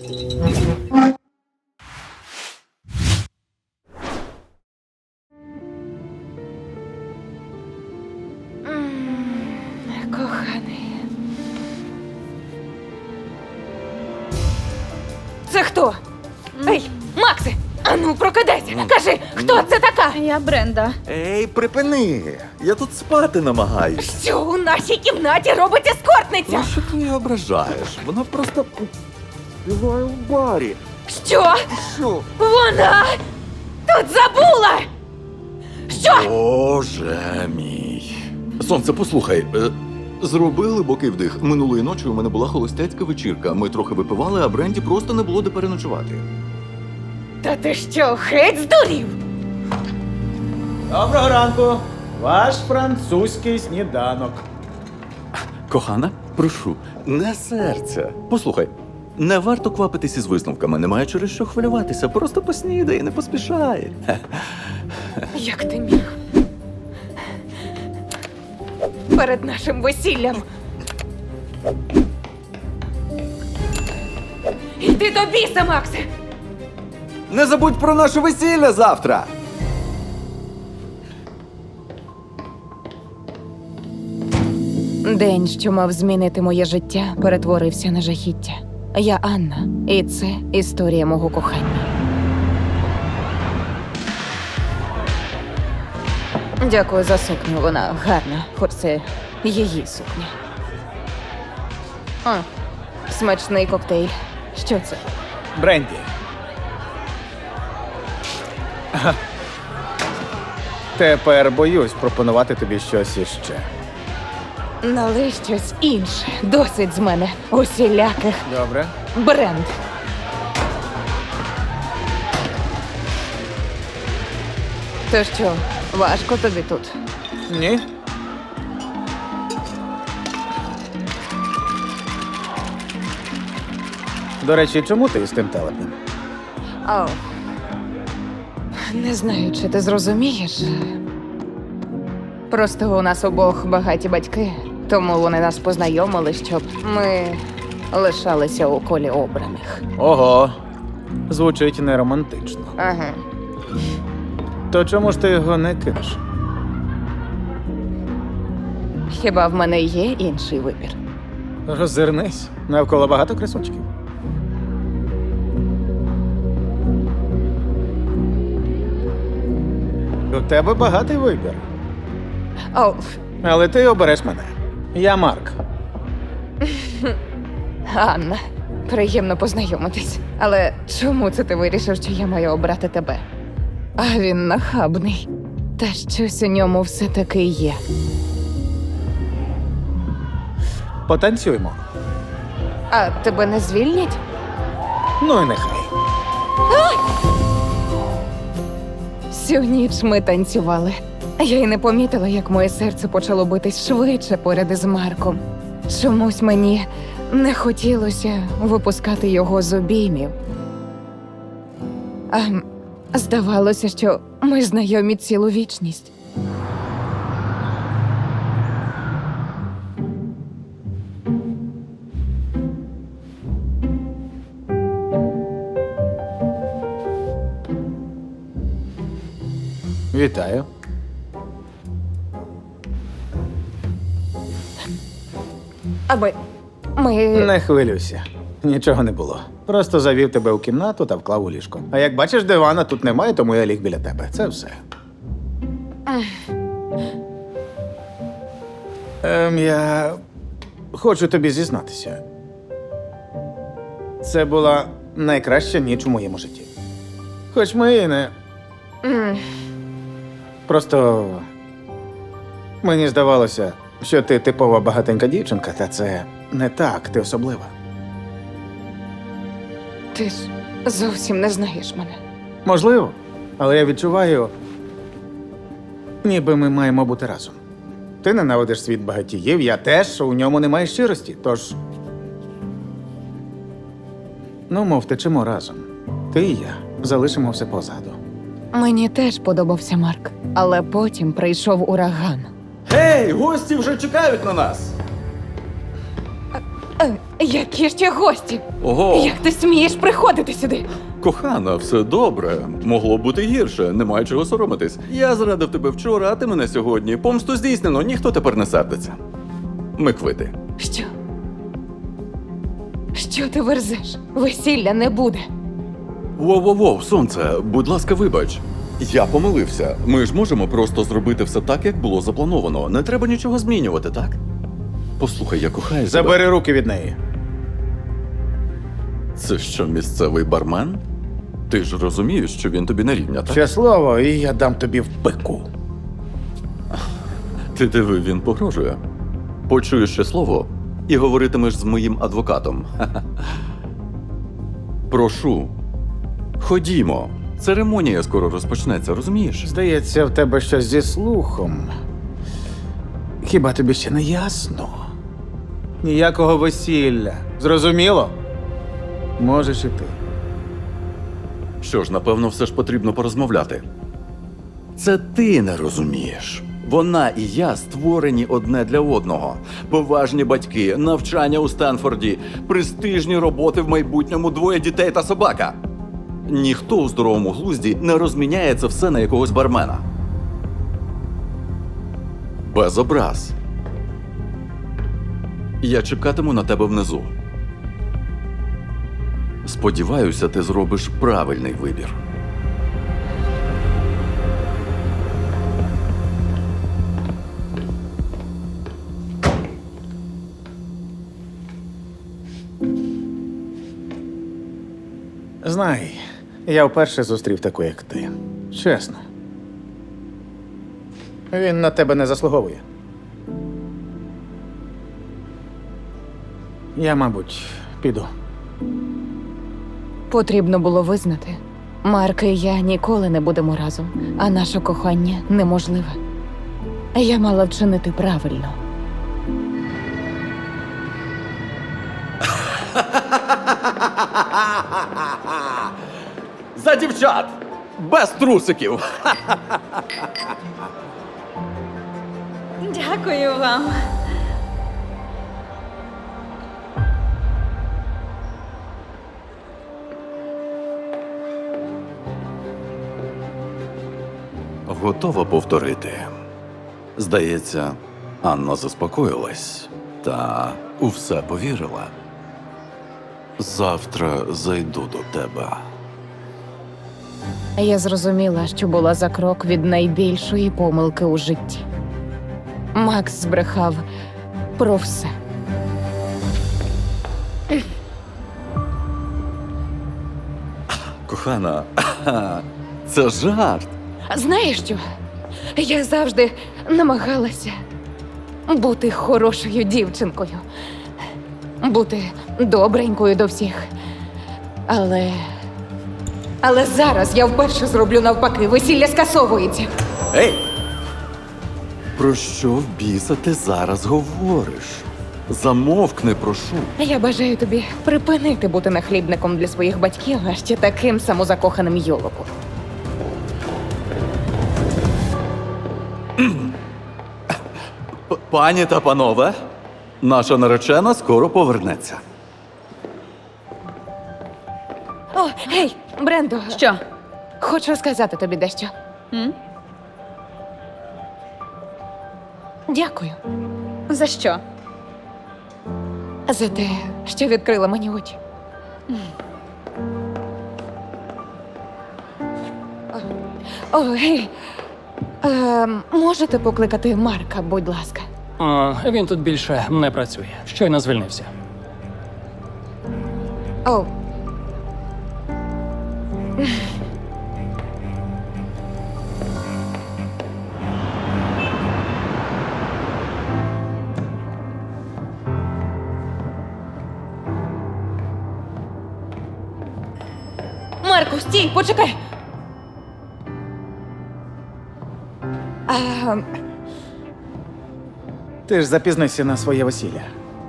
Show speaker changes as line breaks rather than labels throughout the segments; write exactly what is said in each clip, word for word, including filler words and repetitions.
Коханий. Це хто? Ей, Максе! Ану, прокидайся! Кажи, хто це така?
Я Бренда.
Ей, припини! Я тут спати намагаюсь.
Що у нашій кімнаті робить ескортниця?
Ну, що ти її ображаєш? Вона просто співає в барі.
Що?
Що?
Вона тут забула! Що?
Боже мій. Сонце, послухай. е, Зроби глибокий вдих. Минулої ночі у мене була холостяцька вечірка. Ми трохи випивали, а Бренді просто не було де переночувати.
Та ти що, геть здурів?
Доброго ранку! Ваш французький сніданок.
Кохана, прошу, не серця. Послухай, не варто квапитись із висновками, немає через що хвилюватися. Просто поснідай, не поспішай.
Як ти міг? Перед нашим весіллям. Іди до біса, Максе!
Не забудь про наше весілля завтра!
День, що мав змінити моє життя, перетворився на жахіття. Я Анна, і це історія мого кохання. Дякую за сукню, вона гарна, хоч це її сукня. А, смачний коктейль. Що це?
Бренді. Тепер боюсь пропонувати тобі щось іще.
Налий щось інше. Досить з мене усіляких
Добре?
бренд. То що, важко тобі тут?
Ні? До речі, чому ти з тим телепнем?
О. Не знаю, чи ти зрозумієш. Просто у нас обох багаті батьки, тому вони нас познайомили, щоб ми лишалися у колі обраних.
Ого, звучить не романтично.
Ага.
То чому ж ти його не кинеш?
Хіба в мене є інший вибір?
Роззирнись, навколо багато красунчиків. У тебе багатий вибір.
О,
Але ти обереш мене. Я Марк.
Анна, приємно познайомитись. Але чому це ти вирішив, що я маю обрати тебе? А він нахабний. Та щось у ньому все-таки є.
Потанцюймо.
А тебе не звільнять?
Ну і нехай.
Всю ніч ми танцювали. Я й не помітила, як моє серце почало битись швидше поряд із Марком. Чомусь мені не хотілося випускати його з обіймів. А м, здавалося, що ми знайомі цілу вічність.
Вітаю.
Аби ми.
Не хвилюйся. Нічого не було. Просто завів тебе у кімнату та вклав у ліжко. А як бачиш, дивана тут немає, тому я ліг біля тебе. Це все. Ем, я хочу тобі зізнатися. Це була найкраща ніч у моєму житті. Хоч ми і не.
М,
Просто мені здавалося, що ти типова багатенька дівчинка, та це не так, ти особлива.
Ти ж зовсім не знаєш мене.
Можливо, але я відчуваю, ніби ми маємо бути разом. Ти ненавидиш світ багатіїв, я теж, у ньому немає щирості, тож. Ну, мов, течемо разом. Ти і я залишимо все позаду.
Мені теж подобався Марк, але потім прийшов ураган.
Гей, гості вже чекають на нас!
Е, які ще гості?
Ого,
Як ти смієш приходити сюди?
кохана, все добре. Могло б бути гірше, немає чого соромитись. Я зрадив тебе вчора, а ти мене сьогодні. Помсту здійснено, ніхто тепер не сердиться. Ми квити.
Що? Що ти верзеш? Весілля не буде.
Воу-воу-воу, сонце, будь ласка, вибач. Я помилився. Ми ж можемо просто зробити все так, як було заплановано. Не треба нічого змінювати, так? Послухай, я кохаю тебе.
Забери руки від неї.
Це що, місцевий бармен? Ти ж розумієш, що він тобі не рівня, так?
Ще слово, і я дам тобі в пику.
Ти диви, він погрожує. Почуєш ще слово і говоритимеш з моїм адвокатом. Ха-ха. Прошу, ходімо. Церемонія скоро розпочнеться, розумієш?
Здається, в тебе щось зі слухом. Хіба тобі ще не ясно? Ніякого весілля. Зрозуміло? Можеш і ти.
Що ж, напевно, все ж потрібно порозмовляти. Це ти не розумієш. Вона і я створені одне для одного. Поважні батьки, навчання у Стенфорді, престижні роботи в майбутньому, двоє дітей та собака. Ніхто у здоровому глузді не розміняє це все на якогось бармена. Без образ. Я чекатиму на тебе внизу. Сподіваюся, ти зробиш правильний вибір.
Знай, я вперше зустрів таку, як ти. Чесно. Він на тебе не заслуговує. Я, мабуть, піду.
Потрібно було визнати. Марк і я ніколи не будемо разом, а наше кохання неможливе. Я мала вчинити правильно.
За дівчат! Без трусиків!
Дякую вам.
Готова повторити. Здається, Анна заспокоїлась та у все повірила. Завтра зайду до тебе.
Я зрозуміла, що була за крок від найбільшої помилки у житті. Макс збрехав про все.
Кохана, це жарт.
Знаєш що? Я завжди намагалася бути хорошою дівчинкою, бути добренькою до всіх. Але. Але зараз я вперше зроблю навпаки, весілля скасовується.
Ей! Про що в біса ти зараз говориш? Замовкни, прошу.
Я бажаю тобі припинити бути нахлібником для своїх батьків, а ще таким самозакоханим йолопом.
П- Пані та панове, наша наречена скоро повернеться.
О, гей, Брендо,
Що?
хочу сказати тобі дещо.
М?
Дякую
За що?
за те, що відкрила мені очі. О, гей, е, можете покликати Марка, будь ласка.
О, він тут більше не працює. Щойно звільнився.
О. Марку, стій, почекай. А,
Ти ж запізнився на своє весілля.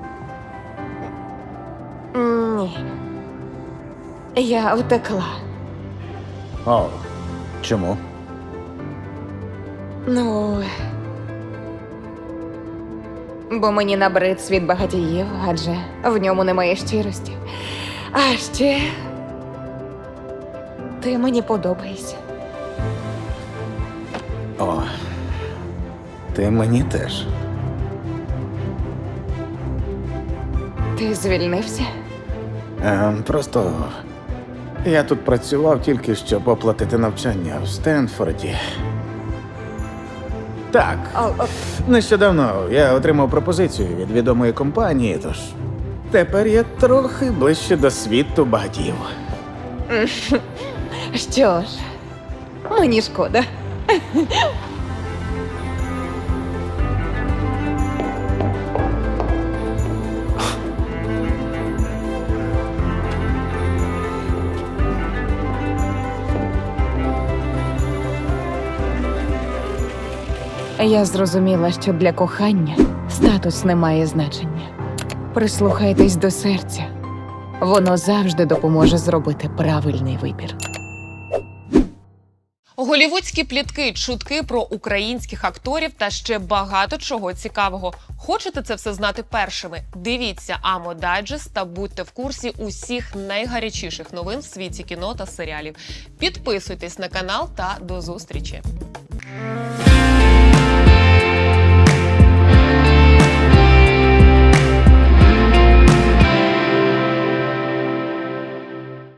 ні. Я втекла.
О, чому?
Ну. Бо мені набрид світ багатіїв, адже в ньому немає щирості. А ще ти мені подобаєшся.
О, ти мені теж.
Ти звільнився?
Е, просто я тут працював тільки щоб оплатити навчання в Стенфорді. Так,
О, о,
нещодавно я отримав пропозицію від відомої компанії, тож тепер я трохи ближче до світу багатів.
що ж, мені шкода. Я зрозуміла, що для кохання статус не має значення. Прислухайтесь до серця. Воно завжди допоможе зробити правильний вибір.
Голівудські плітки, чутки про українських акторів та ще багато чого цікавого. Хочете це все знати першими? Дивіться Амо Дайджест та будьте в курсі усіх найгарячіших новин в світі кіно та серіалів. Підписуйтесь на канал та до зустрічі!